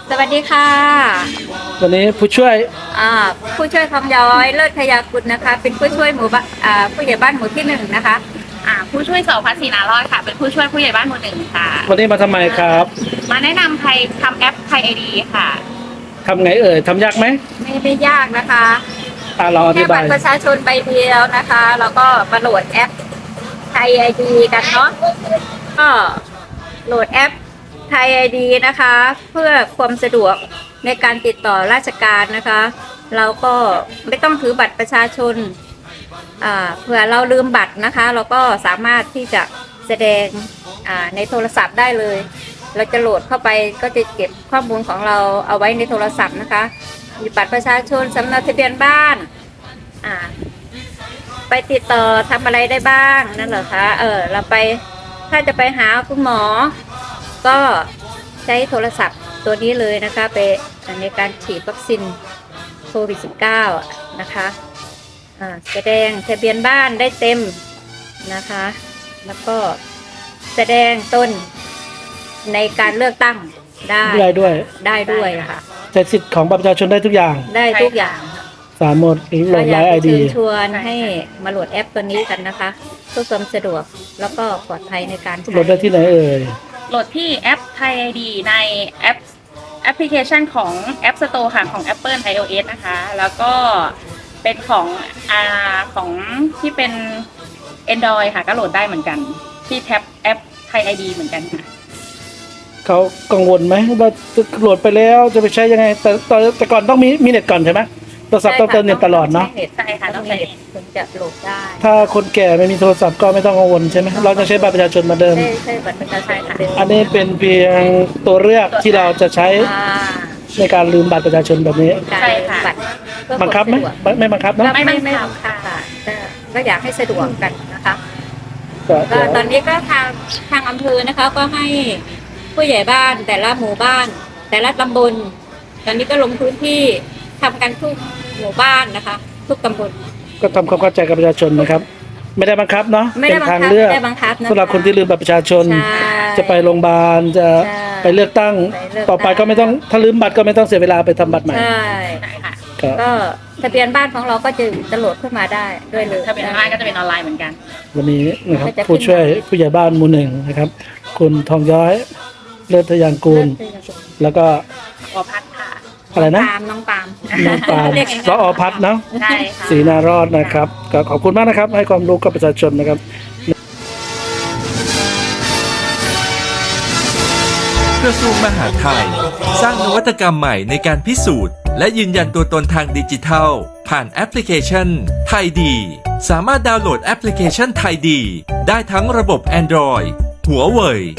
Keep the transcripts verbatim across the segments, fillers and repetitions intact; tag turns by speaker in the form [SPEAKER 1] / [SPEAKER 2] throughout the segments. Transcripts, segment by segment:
[SPEAKER 1] สวัสดีค่ะ
[SPEAKER 2] วันนี้ผู้ช่วย
[SPEAKER 1] อ่าผู้ช่วยคำย้อยเลิศทยากุลนะคะ เป็นผู้ช่วยหมู่บ้านอ่าผู้ใหญ่บ้านหมู่ที่หนึ่งนะคะ
[SPEAKER 3] อ่าผู้ช่วยสพัฒน์ศรีนารอดค่ะเป็นผู้ช่วยผู้ใหญ่บ้านหมู่หนึ่งค่ะ
[SPEAKER 2] วันนี้มาทำไมครับ
[SPEAKER 3] มาแนะนำไทยทำแอปไทยไอดีค่ะ
[SPEAKER 2] ทำไงเอ่ยทำยากไหม
[SPEAKER 1] ไม่ได้ยากนะคะ
[SPEAKER 2] อ่าเราอธิบาย
[SPEAKER 1] แค่บัตรประชาชนใบเดียวนะคะแล้วก็มาโหลดแอปไทยไอดีกันเนาะก็โหลดแอปไทยไอดีนะคะเพื่อความสะดวกในการติดต่อราชการนะคะเราก็ไม่ต้องถือบัตรประชาชนอ่าเผื่อเราลืมบัตรนะคะเราก็สามารถที่จะแสดงอ่าในโทรศัพท์ได้เลยเราจะโหลดเข้าไปก็จะเก็บข้อมูลของเราเอาไว้ในโทรศัพท์นะคะมีบัตรประชาชนสำเนาทะเบียนบ้านอ่าไปติดต่อทำอะไรได้บ้างนั่นเหรอคะเออเราไปถ้าจะไปหาคุณหมอก็ใช้โทรศัพท์ตัวนี้เลยนะคะไปในการฉีดวัคซีนโควิด สิบเก้า นะคะแสดงทะเบียนบ้านได้เต็มนะคะแล้วก็แสดงต้นในการเลือกตั้งได้
[SPEAKER 2] ได้ด้วย
[SPEAKER 1] ได้ด้วยค่ะ
[SPEAKER 2] ใช้สิทธิ์ของบัตรประชาชนได้ทุกอย่าง
[SPEAKER 1] ได้ทุกอย่าง
[SPEAKER 2] สามารถโหลดไลน์ไอดี
[SPEAKER 1] ชวนให้มาโหลดแอปตัวนี้กันนะคะเพื่อความสะดวกแล้วก็ปลอดภัยในการใช้
[SPEAKER 2] โหลดได้ที่ไหนเอ่ย
[SPEAKER 3] โหลดที่แอปไทยไอดีในแอปแอปพลิเคชันของ App Store ค่ะของ Apple iOS นะคะแล้วก็เป็นของอ่าของที่เป็น Android ค่ะก็โหลดได้เหมือนกันที่แท็บแอปไทยไอดีเหมือนกันค่ะ
[SPEAKER 2] เขากังวลไหมว่าโหลดไปแล้วจะไปใช้ยังไงแต่แต่ก่อนต้องมีมีเน็ตก่อนใช่ไหมโทรศัพท์ต้องเติมเน็ตตลอดเนาะ
[SPEAKER 3] ใช่ค่ะต้องใช้เน็ต
[SPEAKER 1] ถึงจะโหลดได้
[SPEAKER 2] ถ้าคนแก่ไม่มีโทรศัพท์ก็ไม่ต้องกังวลใช่ไหมเราจะใช้บัตรประชาชนมาเดิม
[SPEAKER 1] ใช่ใช่บัตรประชาชนค่ะ
[SPEAKER 2] อันนี้เป็นเพียงตัวเลือกที่เราจะใช้ในการลืมบัตรประชาชนแบบนี้
[SPEAKER 3] ใช่ค่ะ
[SPEAKER 2] บังคับไหมไม่บังคับเนาะ
[SPEAKER 1] ไม่ไม่บังคับค่ะก็อยากให้สะดวกกันนะคะก็ตอนนี้ก็ทางทางอำเภอนะคะก็ให้ผู้ใหญ่บ้านแต่ละหมู่บ้านแต่ละตำบลตอนนี้ก็ลงพื้นที่ทำกันทุกหมู่บ้านนะคะทุกตำบล
[SPEAKER 2] ก็ทำความเข้าใจกับประชาชนนะครับไม่ได้บังคับเนาะเป็นทางเลือกสำหรับคนที่ลืมบัตรประชาชนจะไปโรงพยาบาลจะไปเลือกตั้งต่อไปก็ไม่ต้องถ้าลืมบัตรก็ไม่ต้องเสียเวลาไปทำบัตรใหม่
[SPEAKER 1] ใช่ค่ะก็ทะเบียนบ้านของเราก็จะจะโหลดขึ้นมาได้ด้วยเลย
[SPEAKER 3] ทะเบียนบ้านก็จะเป็นออนไลน์เหมือนกัน
[SPEAKER 2] วันนี้นะครับผู้ช่วยผู้ใหญ่บ้านหมู่หนึ่งนะครับคุณทองย้อยเลิศทยางกูลแล้วก็
[SPEAKER 3] อพัฒน์ค่ะ
[SPEAKER 2] อะไรนะ
[SPEAKER 1] น้องปาม
[SPEAKER 2] น้องปามสอพัฒน์เนาะ
[SPEAKER 3] ใช่ค่ะ
[SPEAKER 2] ศรีนารอดนะครับก็ขอบคุณมากนะครับให้ความรู้กับประชาชนนะครับ
[SPEAKER 4] กระทรวงมหาดไทยสร้างนวัตกรรมใหม่ในการพิสูจน์และยืนยันตัวตนทางดิจิทัลผ่านแอปพลิเคชันไทยดีสามารถดาวน์โหลดแอปพลิเคชันไทยดีได้ทั้งระบบ Android หัวเว่ย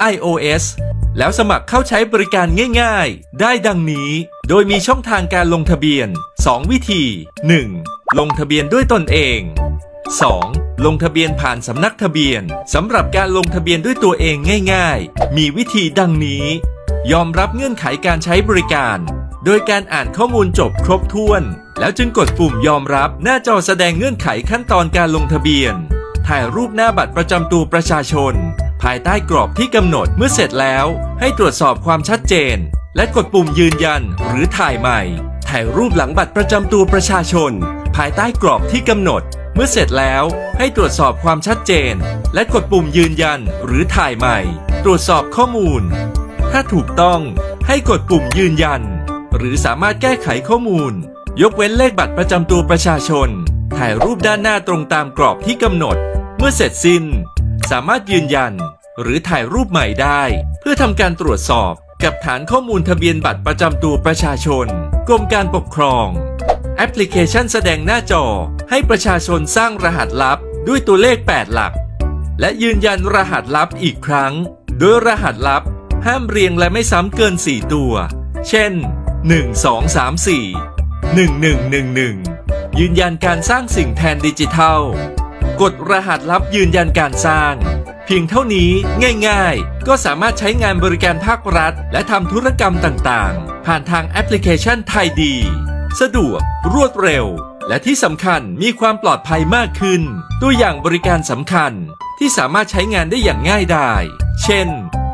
[SPEAKER 4] iOS แล้วสมัครเข้าใช้บริการง่ายๆได้ดังนี้โดยมีช่องทางการลงทะเบียนสองวิธี หนึ่ง ลงทะเบียนด้วยตนเอง สอง ลงทะเบียนผ่านสำนักทะเบียนสำหรับการลงทะเบียนด้วยตัวเองง่ายๆมีวิธีดังนี้ยอมรับเงื่อนไขการใช้บริการโดยการอ่านข้อมูลจบครบถ้วนแล้วจึงกดปุ่มยอมรับหน้าจอแสดงเงื่อนไขขั้นตอนการลงทะเบียนถ่ายรูปหน้าบัตรประจำตัวประชาชนภายใต้กรอบที่กำหนดเมื่อเสร็จแล้วให้ตรวจสอบความชัดเจนและกดปุ่มยืนยันหรือถ่ายใหม่ถ่ายรูปหลังบัตรประจำตัวประชาชนภายใต้กรอบที่กำหนดเมื่อเสร็จแล้วให้ตรวจสอบความชัดเจนและกดปุ่มยืนยันหรือถ่ายใหม่ตรวจสอบข้อมูลถ้าถูกต้องให้กดปุ่มยืนยันหรือสามารถแก้ไขข้อมูลยกเว้นเลขบัตรประจำตัวประชาชนถ่ายรูปด้านหน้าตรงตามกรอบที่กำหนดเมื่อเสร็จสิ้นสามารถยืนยันหรือถ่ายรูปใหม่ได้เพื่อทำการตรวจสอบกับฐานข้อมูลทะเบียนบัตรประจำตัวประชาชนกรมการปกครองแอปพลิเคชันแสดงหน้าจอให้ประชาชนสร้างรหัสลับด้วยตัวเลขแปดหลักและยืนยันรหัสลับอีกครั้งโดยรหัสลับห้ามเรียงและไม่ซ้ำเกินสี่ตัวเช่นหนึ่ง สอง สาม สี่ หนึ่ง หนึ่ง หนึ่ง หนึ่งยืนยันการสร้างสิ่งแทนดิจิทัลกดรหัสลับยืนยันการสร้างเพียงเท่านี้ง่ายๆก็สามารถใช้งานบริการภาครัฐและทำธุรกรรมต่างๆผ่านทางแอปพลิเคชันไทยดีสะดวกรวดเร็วและที่สำคัญมีความปลอดภัยมากขึ้นตัวอย่างบริการสำคัญที่สามารถใช้งานได้อย่างง่ายดายเช่น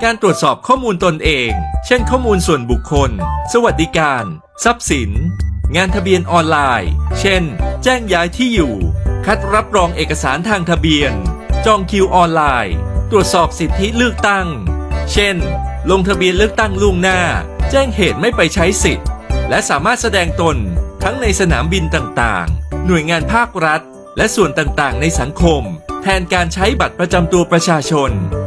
[SPEAKER 4] การตรวจสอบข้อมูลตนเอง เช่นข้อมูลส่วนบุคคล สวัสดิการ ทรัพย์สิน งานทะเบียนออนไลน์ เช่น แจ้งย้ายที่อยู่ คัดรับรองเอกสารทางทะเบียน จองคิวออนไลน์ ตรวจสอบสิทธิเลือกตั้ง เช่น ลงทะเบียนเลือกตั้งล่วงหน้า แจ้งเหตุไม่ไปใช้สิทธิ์ และสามารถแสดงตนทั้งในสนามบินต่างๆ หน่วยงานภาครัฐ และส่วนต่างๆ ในสังคม แทนการใช้บัตรประจำตัวประชาชน